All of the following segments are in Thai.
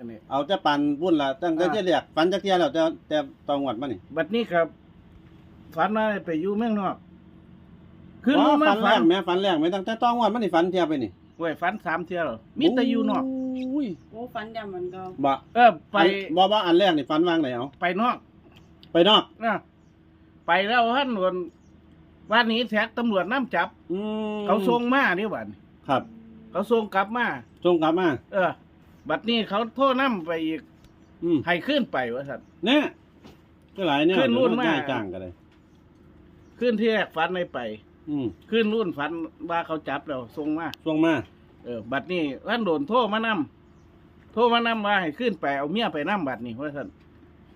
อันนี้เอาจะปั่นวุ่นละตั้งแต่ที่เรียกฝันจักเที่ยแล้วแต่ตองวดมานี่บัดนี้ครับฝันว่าไปอยู่เมืองนอกขึ้นอ๋อมาฝันแรฝักนแม่ฝันแรกแม่ตั้งแต่ตองวดมานี่ฝันเที่ยไปนี่ไว้ฝัน3เที่ยวแล้วมีแต่อยู่นอกอุ้ยโอ้ฟันยำมันก็บ่ไปบ่อันแรกนี่ฝันวางไหนเอาไปนอกไปนอกนะไปแล้วท่านวนวันนี้แท็กตำรวจน้ำจับอืมเขาส่งมานี่บัดนี้ครับเขาส่งกลับมาส่งกลับมาบัดนี้เขาโทษน้ำไปอีกอืมให้ขึ้นไปวะสัตว์เนี่ยก็หลายเนี่ยขึ้นรุ่นมาจ่ายจ้างกันเลยขึ้นที่แรกฝันไม่ไปอืมขึ้นรุ่นฝันว่าเขาจับแล้วส่งมาส่งมาบัดนี้ท่านโดนโทษมานำโทษมานำว่าให้ขึ้นไปเอาเมียไปนำบัดนี้ว่าสัตว์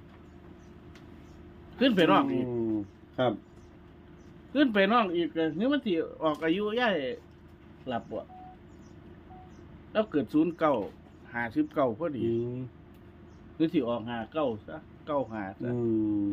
ขึ้นไปนอกอีกมครับขึ้นไปนอกอีกนี่มันสิออกอายุย่ายหลับบ่แล้วเกิด0959พอดีอืมหรือสิออก59ซะ95ซะอืม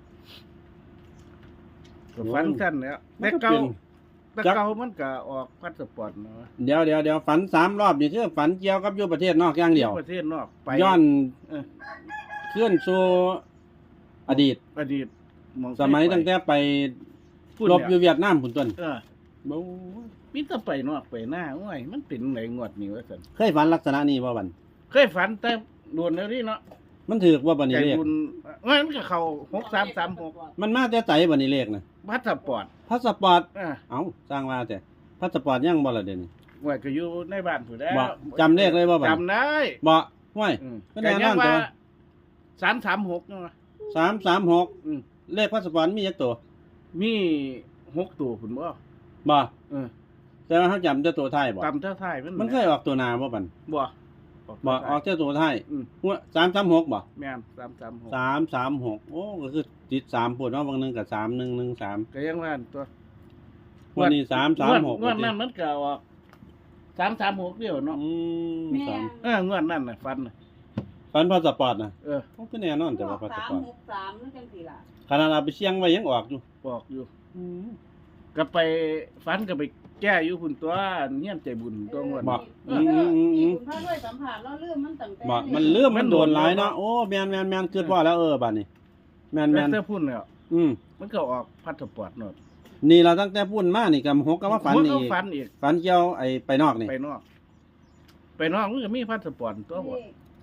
ก็ฝันสั้นแล้วมัแต่นก็เป็นเก่ามันก็ออกพาสปอร์ตเนาะเดี๋ยวฝัน3 รอบนี่คือฝันเกี่ยวกับอยู่ประเทศนอกอย่างเดียวประเทศนอกไปย้อนเออเคลื่อนสู่อดีตอดีตหองสมัยตั้งแต่ไปพูดรบอยู่แล้วเวียดนามพุ่นต้นโอ้มิตรไปนอกไปหน้าโอ้ยมันเป็นไหนงวดนี่วะสันเคยฝันลักษณะนี้บ่บันเคยฝันแต่โดนแล้วนี่เนาะมันถือว่าบันนี้ใจเลขบุญมันก็เข้า6336 มันมาแต่ใจบันนี้เลขนะพาสปอร์ตพาสปอร์ตอ่าเอ้าสร้างว่าแต่พาสปอร์ตยังบ่ละเด่นว่าก็อยู่ในบ้านผู้แล้วบ่จำเลขเลยบ่บัดจำได้บ่ห้วยอืมก็แน่นอนยังว่าตัว 336เนาะ 336 อืมเลขพาสปอร์ตมีจักตัวมี6ตัวพุ่นบ่บ่เออแต่ว่าเขาจำแต่ตัวท้ายบ่ตำเท่าท้ายมันเคยออกตัวหน้าบ่บันบ่บ่ออกแต่ตัวท้ายอืมหัว336บ่แม่น336 336โอ้ก็คือติด3พุ่นเนาะบางนึงก็3113 ก็ยังว่าตัววันนี้336 งวดนั้นมันก็ออก336เดียวเนาะแม่สามงวดนั้นน่ะฟันน่ะฝันพาสปอร์ตน่ะเออโอ้ก็แน่นอนแต่ว่าพาสปอร์ต 363นั่นจังซี่ล่ะขนาดเอาไปเสี่ยงไว้ยังออกอยู่บอกอยู่ก็ไปฟันก็ไปแก้อยู่พุ่นตัวเฮียนใจบุญตัวงวดบอกคุณพ่อด้วยสัมผัสเราลืมมันตั้งแต่บ่มันเลื่อมมันโดนหลายเนาะโอ้แม่นคือว่าแล้วบัดนี้แม่นแต่พุ่นแล้ว มันก็ออกพาสปอร์ตโนดนี่เราตั้งแต่พุ่นมานี่ก็6ก็ว่าฝันนี่ฟันอีกฝันเกี่ยวไอ้ไปนอกนี่ไปนอกมันก็มีพาสปอร์ตตัวบ่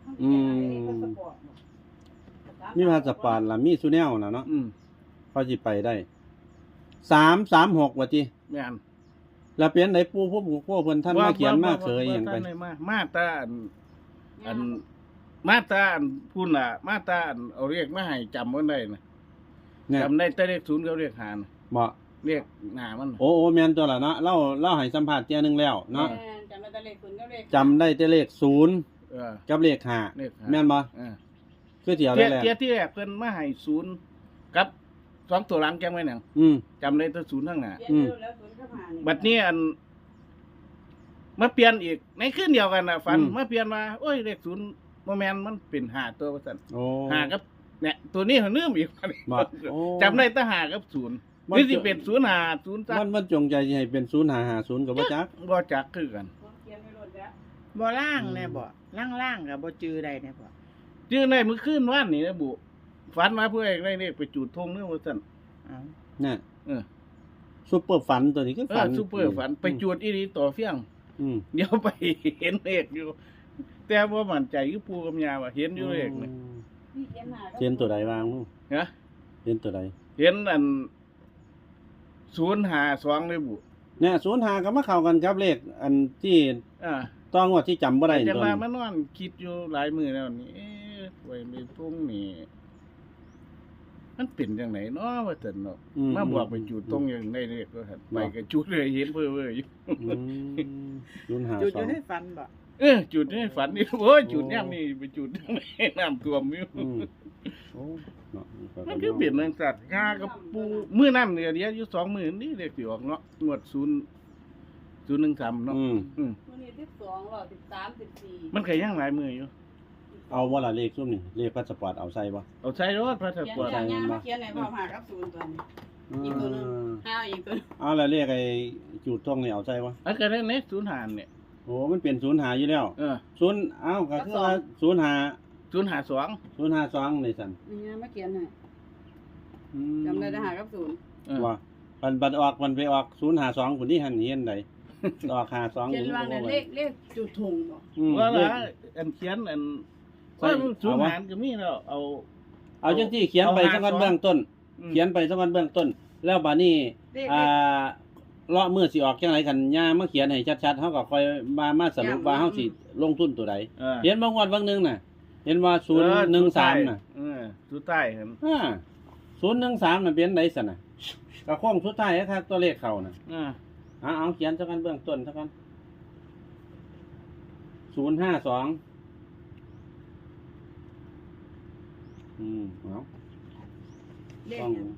มีพาสปอร์ตล่ะมีซุแนวน่ะเนาะอืมพอสิไปได้336ว่าติแม่นแล้วเป็นไดปู่ผู้เพิ่นท่านมาเขียนมาเคยหยังไปบ่ทันได้มาตราอันมาตราอันพุ่นน่ะมาตราอันเอาเรียกมาให้จำไว้ได้น่ะเนี่ยจำได้แต่เลข0กับเลข5น่ะบ่เรียกหน้ามันน่ะโอ้แม่นตัวล่ะเนาะเราให้สัมภาษณ์เที่ยนึงแล้วเนาะจำได้แต่เลข0กับเลขจำได้แต่เลข0 เออกับเลขเลข 5แม่นบ่เออคือเที่ยวเที่ยแรกที่แรกเพิ่นมาให้0กับ2ตัวหลังจังไว้หนังอืมจำได้แต่0ทั้งหน้าเปลี่ยนแล้ว0กับ5นี่บัดนี้อันมาเปลี่ยนอีกในคืนเดียวกันน่ะฝันมาเปลี่ยนมาโอ้ยเลข0บ่แม่นมันเป็น5ตัวว่าซั่นโอ้ 5กับเนี่ยตัวนี้เขาลืมอีกบ่โอ้จำได้แต่5กับ0นี่สิเป็น05 0ซะมันจงใจให้เป็น0550ก็บ่จักบ่จักคือกันเขียนไว้รถแล้วบ่ล่างแน่บ่ล่างๆก็บ่จื้อได้แน่บ่ชื่อในมื้อคืนวานนี่นะบุฝันมาเพื่อให้ได้เลขไปจุดธงเด้อว่าซั่นเอาน่ะเออซุปเปอร์ฝันตัวนี้คือฝันซุปเปอร์ฝันไปจุดอีหลีต่อเฟียงอืมเดี๋ยวไปเห็นเลขอยู่ แต่บ่มั่นใจคือปู่กับย่าว่าเห็นอยู่เลขนี่นี่เขียนหน้าเห็นตัวใดบ้างลูกฮะเห็นตัวใดเห็นอัน052เลยบุเนี่ย05ก็มาเข้ากันกับเลขอันที่อ่าต้องว่าที่จำบ่ได้จังตัวว่านี้มานอนคิดอยู่หลายมื้อแล้วนี่ไว้ในทุ่งนี่มันเป็นจังไหนเนาะว่าซั่นเนาะมาบอกไปจุดตรงอย่างได้เลขว่าซั่นไปก็จุดเลยเห็นเพ้อๆอยู่อืมจุดอยู่ใน 052 ฝันบ่จุดนี่ฝันนี่โอ้ยจุดย่ำนี่ไปจุดน้ำท่วมอยู่อืมโอ้เนาะมันคือเปลี่ยนเรื่องสัตว์งากับปูมื้อนั้นเนี่ยเดียวอยู่2มื้อนี่เด็กสิออกเนาะงวด013เนาะอืมมื้อนี้12หรอ13 14 มันก็ยังหลายมื้ออยู่เอาบ่ล่ะเลขซุ่มนี่เลขพาสปอร์ตเอาใส่บ่เอาใช้รถพาสเขียนปอร์ตอย่างนี้มาเขียนในพ่อหากับ0ตัวนี้ อีกตัวหนึ่ง 5อีกตัวเอาแล้วเลขไอ้จูดท่องนี่เอาใส่บ่อันก็ได้เน็ต05เนี่ยโอ้มันเป็นศูนย์หาอยู่แล้ว ศูนย์เอ้าก็คือว่าศูนย์หา 052 นี่สั่นนี่ไงมาเขียนให้อืมจำได้ทหารกับศูนย์ว่าบัดออกมันไปออก052พุ่นนี่หั่นเห็นไดออก52 เขียนวางเนี่ยเลขจุดธงบ่ว่าเลละขอันเขียนอันใส่ศูนย์เอาวะหารก็มีแล้วเอาเอาจังซี่เขียนไปสักวันเบื้องต้น เขียนไปสักวันเบื้องต้น แล้วบัดนี้เลขเลาะมือสิออกจังไดคันย่ามาเขียนให้ชัดๆเฮาก็ค่อยมาสรุปว่าเฮาสิลงทุนตัวใดเขียนบางวันบางนึงน่ะ เห็นว่า013น่ะสุดใต้เห็น 013น่ะเป็นไดซั่นน่ะก็โค้งสุดท้ายครับตัวเลขเข้าน่ะ เอาเขียนสักวันเบื้องต้นสักวัน052เอาเลขต้องเนี่ย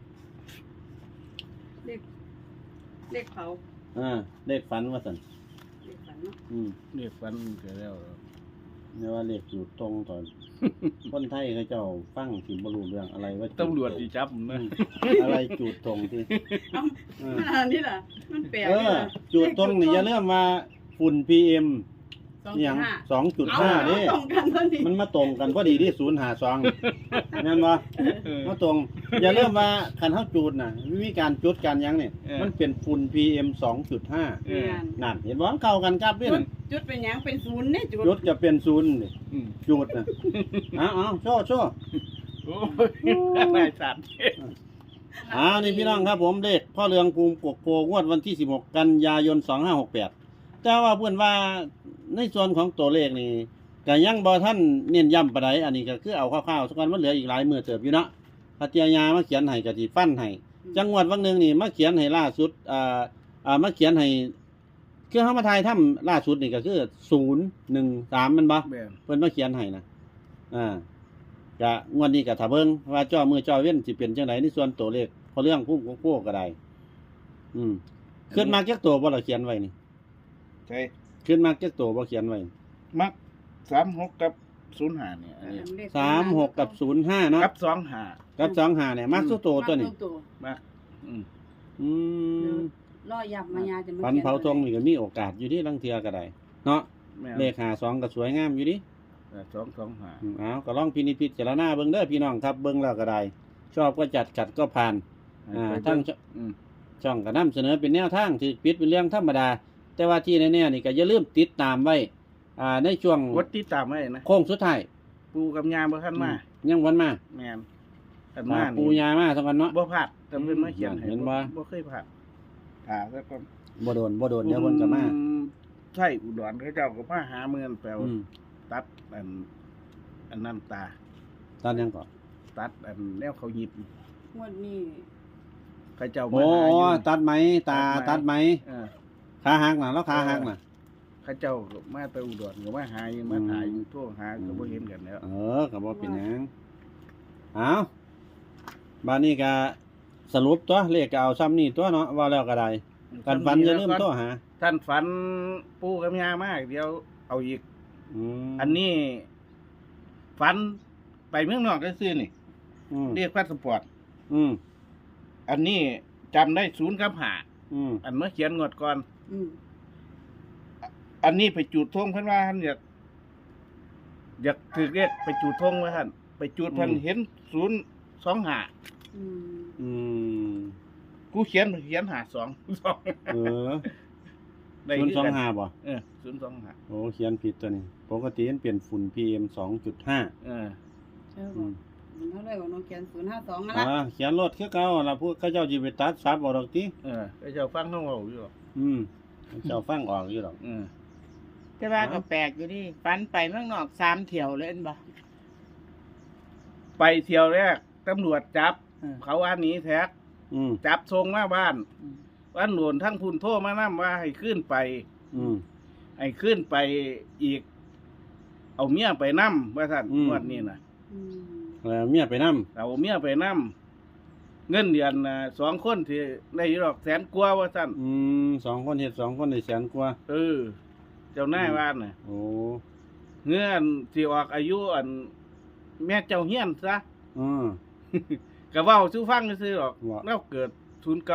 เลขเขาเลขฝันว่าซั่นเลขฝันเนาะเรียกฟันเกิดแล้วเนี่ยว่าเลขอยู่ตรงตอน คนไทยเขาเจ้าฟังสิบ่รู้เรื่องอะไรว่าตำรวจสิจับผมอืนะมอะไรจูดตรงที่เอ้าเออมันอันนี้ล่ะมันแปลกเอนี่อล่ะจูดตรงนี่อย่าลืมว่าฝุ่น PM 2.5 อหย่างเอา 2.5นี่ตรงกันเท่านี้มันมาตรงกันพอดีที่052แม่นบ่มาตรง อย่าลืมว่าคันเฮาจูดน่ะวิธีการจุดการหยังเนี่ยมันเป็นฝุ่น PM 2.5 แม่นนั่นเห็นบ่เข้ากันครับพี่จุดน่ะจุดเป็นหยังเป็นศูนย์เนี่ยจุดจุดจะเป็นศูนย์นี่จูดน่ะเอาโชว์โอ้ยนายสัตว์นี่พี่น้องครับผมเลขพ่อเรืองภูมิปกโพงวดวันที่16กันยายน2568แต่ว่าเพื่อนว่าในส่วนของตัวเลขนี่ก็ยังบ่ท่านเน้นย้ำปานใดอันนี้ก็คือเอาคร่าวๆสักวันมันเหลืออีกหลายมื้อเติบอยู่เนาะพัทยามาเขียนให้ก็สิฟันให้จังหวัดวันหนึงนี่มาเขียนให้ล่าสุดมาเขียนให้คือเฮามาทายถ้ำล่าสุดนี่ก็คือ013มันบ่แม่นเพิ่นมาเขียนให้นะก็งวดนี้ก็ถ้าเบิ่งว่าจ้อมือจ้อเว้นสิเป็นจังไดในส่วนตัวเลขพอเรื่องพุ่มของพวกก็ได้ขึ้นมาจักตัวบ่ล่ะเขียนไว้นี่ใช่ขึ้นมาจักตัวบ่เขียนไว้มัก36กับ05เนี่ยอันนี้เลข 36กับ05เนาะกับ25 กับ25เนี่ยมักสุดโตตัวนี้มักตัวมักอืมอืมล่อยับมายาจะมาพันเผาทองนี่ก็มีโอกาสอยู่ที่ลังเทือก็ได้เนาะแม่นเลข52ก็สวยงามอยู่ดิ 225 เอาก็ลองพินิจพิจารณาเบิ่งเด้อพี่น้องครับเบิ่งแล้วก็ได้ชอบก็จัดขัดก็ผ่านทั้งอืมช่องก็นำเสนอเป็นแนวทางที่ปิดเป็นเรื่องธรรมดา แต่ว่าที่แน่ๆนี่ก็อย่าลืมติดตามไว้ในช่วงกดติดตามไว้นะโค้งสุดท้ายปูกับยาบ่ทันมายังวันมาแม่นอันอ่ามาปูยามาทั้งกันเนาะบ่พลาดแต่เพิ่นมาเขียนให้เห็นบ่บ่เคยพลาดซะก่อนบ่โดนเดี๋ยวเพิ่นก็มาใช่อุดรเขาเจ้าก็มาหาเมือนแปลวอืมตัดอันนั้นตาตอนยังก่อนตัดอันแนวเขาหยิบงวดนี้เขาเจ้ามาโอ้หาอยู่ตัดไหมตาตัตัดดไหไหมมขาหักน่ะแล้วขาหักน่ะเขาเจ้าก็มาแต่อุดรก็มาหาอยู่มาถ่ายอยู่โทั่วหาก็บ่เห็นกันแล้วก็บ่เป็นหยังเอาบัดนี้ก็สรุปตัวเลขก็เอาซ้ำนี่ตัวเนาะว่าแล้วก็ได้กันฝันอย่าลืมโทรหาท่านฝันปูกับยามากเดี๋ยวเอาอีกมอันนี้ฝันไปเมืองนอกได้ซื้อนี่อืมเรียกพาสปอร์ตอืมอันนี้จำได้0กับ5 อืมอันเมื่อเขียนงวดก่อนอืมอันนี้ไปจูดธงเพิ่นว่าท่านอยากถือเรียกไปจูดธงไว้ท่านไปจูดเพิ่นเห็น025 อืมอืมกูเขียนหา2 เออได้ศูนคืย์สองกันห้าบ่ 025 โอ้เขียนผิดตัวนี้ปกติมันเปลี่ยนฝุ่น PM 2.5 เออเจ้าบอกมันเท่าไหร่ว่าน้องเขียน052นั่นอ่าล่ะเขียนรถคือเก่าล่ะพวกเขาเจ้าสิไปตัดซับเอาดอกติไอ้เจ้าฟังเขาเว้าอยู่หรอกเจ้าฟังออกอยู่ดอกแต่ว่าก็แปลกอยู่นี่ฟันไปเมืองนอก3เที่ยวเลยเห็นบ่ไปเที่ยวแรกตำรวจจับอืมเขาว่าหนีแท็กอืมจับส่งมาบ้านอืมวันโหนทั้งพุ่นโทรมานํว่าให้ขึ้นไปอืมให้ขึ้นไปอีก เอาเมียไปนํว่าท่านอืมวันนี้น่ะอืมแล้วเมียไปนำเอาเมียไปนํเงินเดือน2คนที่ได้อยู่ดอก100,000กว่าว่าท่าน 2คนเฮ็ด2คนได้แสนกว่าเจ้านายว่าน่ะโอ้เงื่อนสิออกอายุแม่เจ้าเฮียนซะอืมก็เว้าสู่ฟังซื่อๆหรอกว่าเราเกิด09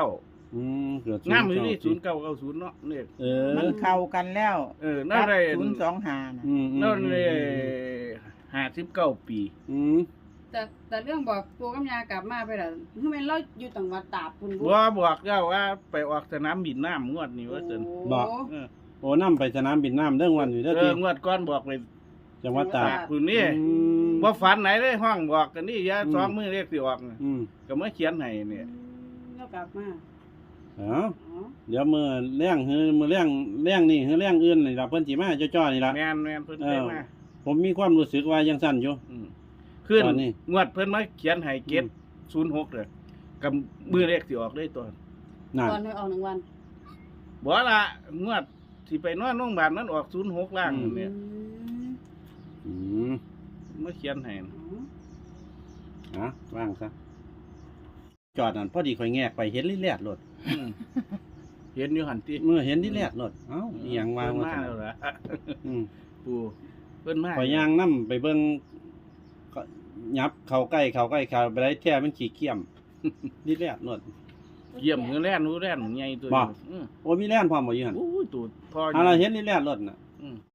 เกิดงามอยู่นี่ 09 0990เนาะเนี่ยมันเข้ากันแล้วนั่นได้ 025น่ะนั่นได้59 ปีแต่เรื่องบอกปูกับยากลับมาไปล่ะคือแม่นเราอยู่จังหวัดตากพุ่นบ่บอกเจ้าว่าไปออกสนามบินน้ำงวดนี้ว่าซั่นบอกเออโอ้นํไปสนามบินน้ำเด้อวันอยู่เด้อติงวดก่อนบอกไปจังหวัดตากคุณนี่ บ่ฝันไหนได้ห้องบอกกันนี่อย่าสองมือเลขสิออกน่ะอืมก็มาเขียนให้เนี่ยเรากลับมาเอ้าอ๋อเดี๋ยวมื้อแรงฮือมื้อแรงนี่ฮือแรงอื่นนี่ล่ะเพิ่นสิมาจ้อๆนี่ล่ะแม่นเพิ่นได้มาผมมีความรู้สึกว่ายังสั่นอยู่ขึ้นตอนนี้งวดเพิ่นมาเขียนให้เกต06เลยกับมือเลขสิออกเลยตัวนั่นก่อนให้ออก1 วันบ่ละงวดสิไปนอนโรงพยาบาลนั้นออก06ล่างนั่นเนี่ยอืมมาเขียนให้อ๋อว่างซะจอดนั่นพอดีข่อยแงกไปเห็นลิแลดรถเห็นอยู่หั่นติเมื่อเห็นลิแลดรถเอ้าอีหยังว่าเพิ่นว่ามาซั่นแล้วล่ะอืมปู่เพิ่นมาข่อยย่างนํไปเบิ่งก็ยับเข้าใกล้ไปได้แท้มันขี้เกียมลิแลดรถเยี่ยมมือแล่นใหญ่ตัวบ่อือโอ้มีแล่นพร้อมบ่อยู่หั่นโอ้ยตูดพอเราเห็นลิแลดรถน่ะ